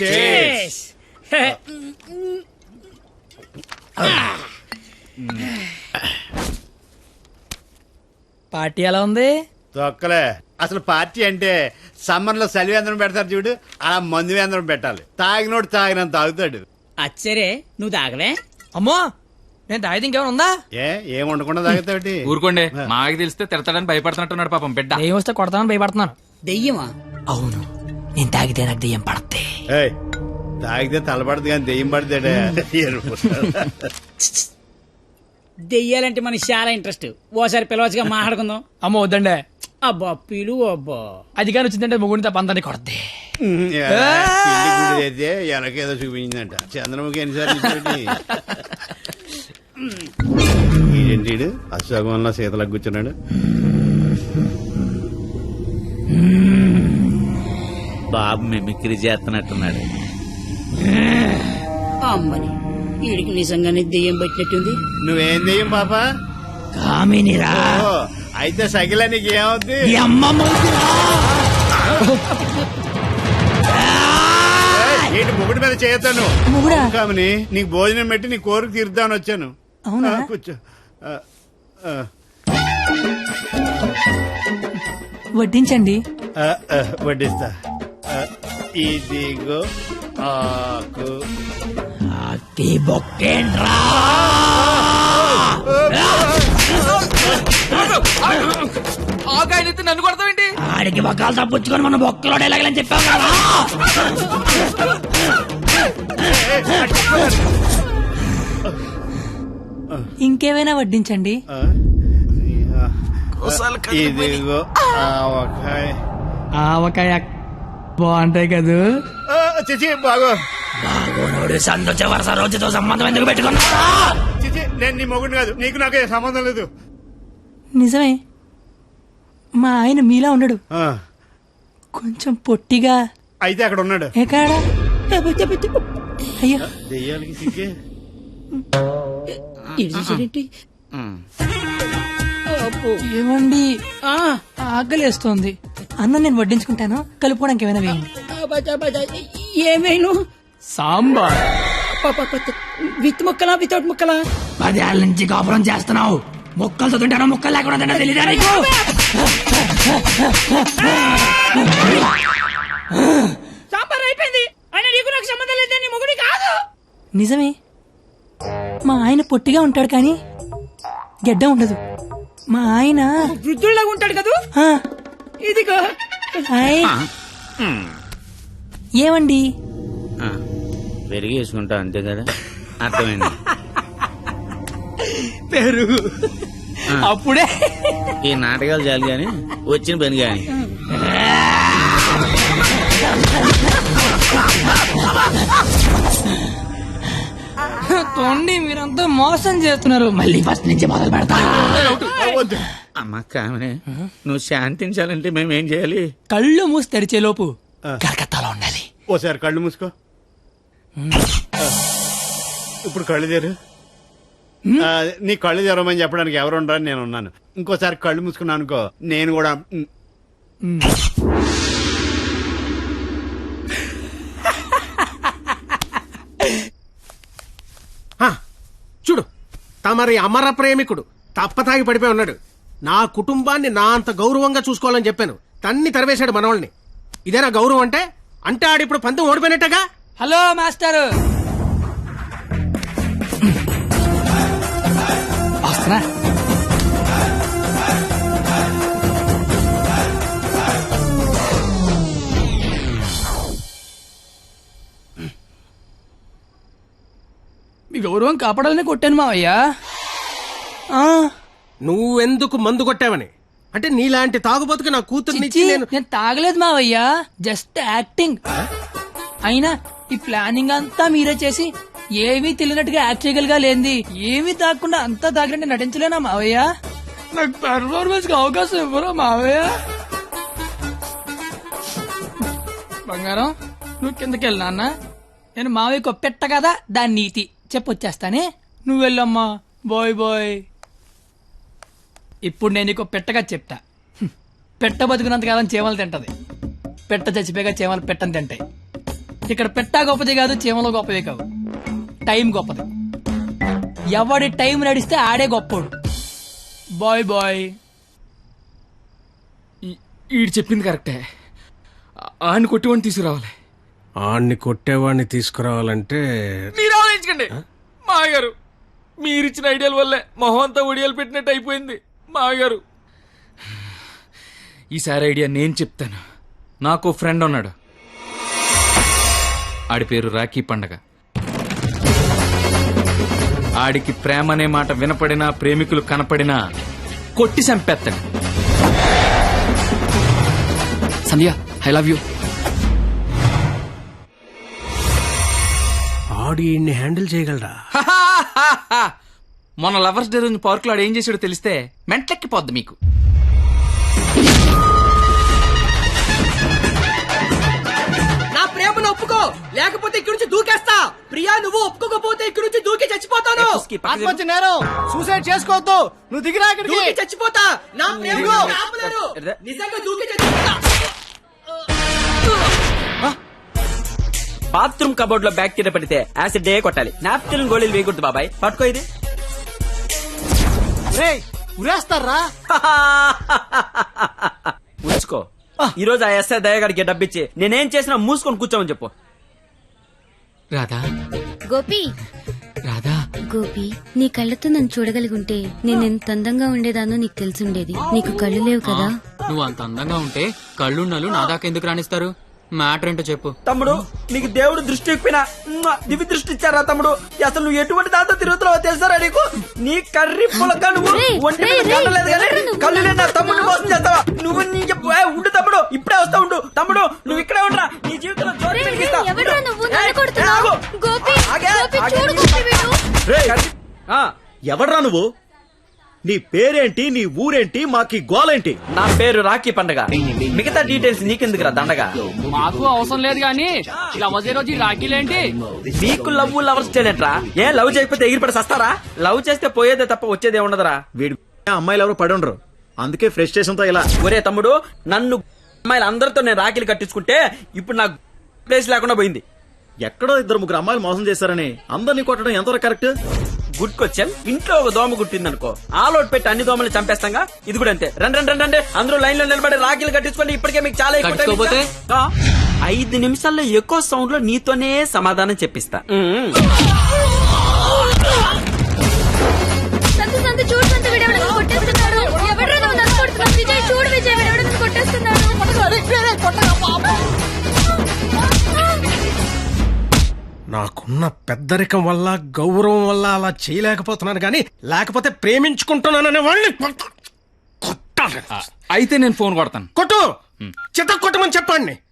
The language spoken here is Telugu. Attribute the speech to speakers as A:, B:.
A: Cheers.
B: పార్టీ ఎలా ఉంది?
A: తొక్కలే. అసలు పార్టీ అంటే సమ్మర్ లో సలివేంద్రం పెడతారు చూడు, అలా మందు వేంద్రం పెట్టాలి. తాగినోడు తాగినంత తాగుతాడు.
C: అచ్చరే నువ్వు తాగలే?
B: అమ్మో, నేను తాగితే ఇంకేమైనా ఉందా?
A: ఏం ఉండకుండా తాగుతావుటి?
D: ఊరుకోండి, మాకు తెలిస్తే తిడతాడని భయపడుతున్నట్టున్నాడు పాపం బిడ్డ.
B: దెయ్యం వస్తే కొడతామని భయపడుతున్నాను.
C: దెయ్యమా?
B: అవును, నేను తాగితే నాకు దెయ్యం పడద్ది.
A: ఏయ్, తాగితే తలపడదు కానీ దెయ్యం పడతాడే.
C: దెయ్యాలంటే మనకి చాలా ఇంట్రెస్ట్. ఓసారి పిలవచ్చుగా, మాట్లాడుకుందాం.
B: అమ్మో వద్దండి.
C: అబ్బా పిలువు. అబ్బా
B: అది కానీ వచ్చిందంటే ముగ్గురిని తప్ప అందరినీ కొడద్ది.
A: అయితే వెనకేదో చూపించిందంట. చంద్రముఖి ఎన్నిసార్లు ఏంటి అశోకంలో శీతలకు కూర్చున్నాడు.
E: బాబు మిమిక్రీ చేస్తున్నట్టున్నాడు.
C: అమ్మని వీడికి నిజంగానే దెయ్యం పట్టినట్టుంది.
A: నువ్వేం దెయ్యం పాపా?
B: కామినిరా.
A: ఓ, అయితే సగిల నీకు ఏమవుద్ది? ఏంటి ముగుడి మీద చేయతాను కామని? నీకు భోజనం పెట్టి నీ కోరిక తీర్దామని వచ్చాను.
B: అవునా?
A: కూర్చో.
B: వడ్డించండి.
A: వడ్డిస్తా. ఇదిగో ఆకు.
D: ఆకాయనైతే నన్ను కొడతావేంటి?
B: ఆడికి బొక్కలు తప్పుచ్చుకొని మన బొక్కలో ఎలాగలని చెప్పావు కదా. ఇంకేమైనా వడ్డించండి.
A: ఇదిగో ఆవకాయ.
B: ఆవకాయ బాగుంటాయి కదూ.
A: చిచి బాగో.
B: బాగోనోడు సంతోష వరుస రోజుతో సంబంధం ఎందుకు పెట్టుకున్నా?
A: చిచి, నేను నీ మొగుడు కాదు, నీకు నాకే సంబంధం లేదు.
B: నిజమే, మా ఆయన మీలా ఉండడు,
A: ఆ,
B: కొంచెం పొట్టిగా.
A: అయితే అక్కడ ఉన్నాడు.
B: ఎక్కడా? అయ్యో,
A: దెయ్యాలకి సిగ్గే.
B: ఏమండి, ఆకలేస్తోంది. అన్నం నేను వడ్డించుకుంటాను, కలుపుకోవడానికి ఏమైనా వేయండి.
C: ఏమైనా
B: సాంబార్.
C: విత్ ముక్కలా వితౌట్ ముక్కలా?
B: 10 ఏళ్ళ నుంచి కాపురం చేస్తున్నావు, ముక్కలతో తింటానో ముక్కలు లేకుండా తింటా తెలీదా నీకు?
C: సాంబార్ అయిపోయింది. ఆయన నీకు నాకు సంబంధం లేదు, నీ మొగుడి కాదు.
B: నిజమే, మా ఆయన పొట్టిగా ఉంటాడు కానీ గెడ్డ ఉండదు. మా ఆయన
C: వృద్ధుల్లాగా ఉంటాడు కదా.
B: ఆ,
C: ఇదిగో.
B: హాయ్. ఏమండి,
E: పెరిగి వేసుకుంటా అంతే కదా, అర్థమైంది.
B: పెరుగు అప్పుడే.
E: ఈ నాటకాలు చాలు గాని వచ్చిన పని గాని.
B: తోండి, మీరంతా మోసం చేస్తున్నారు. మళ్ళీ ఫస్ట్ నుంచి మొదలు పెడతా.
E: అమ్మ కామనే, నువ్వు శాంతించాలంటే మేమేం చేయాలి?
B: కళ్ళు మూసి తెరిచే లోపు కలకత్తాలో ఉండాలి.
A: ఓసారి కళ్ళు మూసుకో. ఇప్పుడు కళ్ళు తెరు. నీ కళ్ళు తెరవమని చెప్పడానికి ఎవరు ఉండరని నేను ఉన్నాను. ఇంకోసారి కళ్ళు మూసుకున్నాను అనుకో, నేను కూడా.
F: చూడు, తమరి అమర ప్రేమికుడు తప్పతాగి పడిపోయి ఉన్నాడు. నా కుటుంబాన్ని నా అంత గౌరవంగా చూసుకోవాలని చెప్పాను, తన్ని తరివేశాడు మనవాళ్ళని. ఇదేనా గౌరవం అంటే? అంటే ఆడిప్పుడు పంతం ఓడిపోయినట్టగా.
B: హలో మాస్టర్, వస్తున్నా. మీ గౌరవం కాపాడాలని కొట్టాను మావయ్యా.
F: నువ్వెందుకు మందు కొట్టావని? అంటే నీలాంటి తాగుబోతుకి నా కూతుర్ని ఇచ్చి నేను
B: తాగలేదు మావయ్యా, జస్ట్ యాక్టింగ్. అయినా ఈ ప్లానింగ్ అంతా మీరే చేసి ఏమీ తెలియనట్టుగా యాక్ట్ చేయగలిగా లేంది. ఏమీ తాగకుండా అంతా తాగినట్టు నటించలేనా మావయ్య? నాకు పెర్ఫార్మెన్స్ కి అవకాశం ఇవ్వరా మావయ్య? బంగారం, నువ్వు కిందకి వెళ్ళా అన్న. నేను మావయ్యకు పెట్ట కదా, దాని నీతి చెప్పొచ్చేస్తానే. నువ్వు వెళ్ళమ్మా. Bye bye. ఇప్పుడు నేను నీకు పెట్టగా చెప్తా. పెట్ట బతుకున్నంతకాలం చేమలు తింటది, పెట్ట చచ్చిపోయాక చేమలు పెట్టని తింటాయి. ఇక్కడ పెట్టా గొప్పది కాదు, చీమలో గొప్పదే కాదు, టైం గొప్పది. ఎవడి టైం నడిస్తే ఆడే గొప్పోడు. Bye bye.
D: ఈడు చెప్పింది కరెక్టే. ఆయన కొట్టివాడిని తీసుకురావాలి.
F: ఆడిని కొట్టేవాడిని తీసుకురావాలంటే
D: మీరు ఆలోచించకండి మాగారు. మీరిచ్చిన ఐడియాల వల్లే మొహం అంతా ఒడియాలు పెట్టినట్టు అయిపోయింది మాగారు. ఈసారి ఐడియా నేను చెప్తాను. నాకు ఫ్రెండ్ ఉన్నాడు, ఆడి పేరు రాఖీ పండగ. ఆడికి ప్రేమ అనే మాట వినపడినా, ప్రేమికులు కనపడినా కొట్టి చంపేస్తాడు. Sandhya, I love you.
F: ఆడి హ్యాండిల్ చేయగలరా?
D: మొన్న లవర్స్ డే రోజు పార్క్ లో ఆడు ఏం చేసాడో తెలిస్తే మెంట్లెక్కిపోద్ది మీకు.
G: నా ప్రేమను ఒప్పుకో, లేకపోతే ఇక్కడి నుంచి దూకేస్తా. ప్రియా, నువ్వు ఒప్పుకోకపోతే ఇక్కడి నుంచి దూకి చచ్చిపోతాను.
A: ఆత్మహత్య నేరం, సూసైడ్ చేసుకోవద్దు. నువ్వు దిగిరా ఇక్కడికి.
G: దూకి చచ్చిపోతా. నా ప్రేమను ఆపలేరు. నిజంగా దూకి చచ్చిపోతా.
H: బాత్రూమ్ కబోర్డ్ లో బ్యాక్టీరియా పడితే యాసిడ్ డే కొట్టాలి. నాప్కిన్ గోళీలు వేయకూడదు బాబాయ్. పట్టుకో ఇది.
A: ఉరేస్తారా?
H: ఉంచుకో. ఈ రోజు ఆ ఎస్ఐ దయగాడికి డబ్బిచ్చి నేనేం చేసినా మూసుకొని కూర్చోమని చెప్పు.
D: రాధా,
I: గోపి,
D: రాధా,
I: గోపి, నీ కళ్ళతో నన్ను చూడగలిగుంటే నేను ఎంత అందంగా ఉండేదానో నీకు తెలిసుండేది. నీకు కళ్ళు లేవు కదా.
J: నువ్వు అంత అందంగా ఉంటే కళ్ళున్నలు నా దాకా ఎందుకు రాణిస్తారు? మ్యాటర్ ఏంటో చెప్పు.
H: తమ్ముడు, నీకు దేవుడు దృష్టి ఇప్పినా దివి దృష్టి ఇచ్చారా తమ్ముడు? అసలు నువ్వు ఎటువంటి దాంతో తిరుగుతున్నావో తెలుసారా నీకు? నీ కర్రీ పులక నువ్వు ఒంటి మీద కట్టలేదు కానీ కళ్ళు లేని తమ్ముడు మోసం చేస్తావా నువ్వు? నీ ఉండు తమ్ముడు, ఇప్పుడే వస్తా ఉండు. తమ్ముడు, నువ్వు ఇక్కడే ఉండరా, నీ జీవితంలో జ్యోతి వెలిగిస్తా.
K: ఎవడ్రా నువ్వు? నీ పేరేంటి, నీ ఊరేంటి, మాకి గోలేంటి?
H: నా పేరు రాఖీ పండగ. మిగతా డీటెయిల్స్ నీకెందుకురా దండగా?
J: మాకు అవసరం లేదు గానీ లవ్ రోజు రాఖీలేంటి?
H: నీకు లవ్ లవర్స్ చేయలేంట్రా? ఏ లవ్ చేయకపోతే ఎగిరిపడి సస్తారా? లవ్ చేస్తే పోయేదే తప్ప వచ్చేదే ఉండదురా.
K: వీడి అమ్మాయిలు ఎవరు పడి ఉండరు, అందుకే ఫ్రస్ట్రేషన్ తో ఇలా.
H: ఒరే తమ్ముడు, నన్ను అమ్మాయిలు అందరితో నేను రాఖీలు కట్టించుకుంటే ఇప్పుడు నాకు ప్లేస్ లేకుండా పోయింది.
K: ఎక్కడో 2-3 అమ్మాయిలు మోసం చేశారని అందరినీ కొట్టడం ఎంతవరకు కరెక్ట్?
H: Good question. ఇంట్లో ఒక దోమ గుట్టిందనుకో, ఆలోట్ పెట్టి అన్ని దోమలు చంపేస్తాంగా. ఇది కూడా అంతే. రండి అందరూ లైన్ లో నిలబడి రాఖీలు కట్టించుకోండి. ఇప్పటికే మీకు చాలా ఎక్కువ. 5 నిమిషాల్లో ఎక్కువ సౌండ్ లో నీతోనే సమాధానం చెప్పిస్తా.
F: నాకున్న పెద్దరికం వల్ల, గౌరవం వల్ల అలా చేయలేకపోతున్నాను కానీ, లేకపోతే ప్రేమించుకుంటున్నాననే వాళ్ళని కొట్టాలి.
D: అయితే నేను ఫోన్ కొడతాను.
F: కొట్టు, చిత్త కొట్టమని చెప్పండి.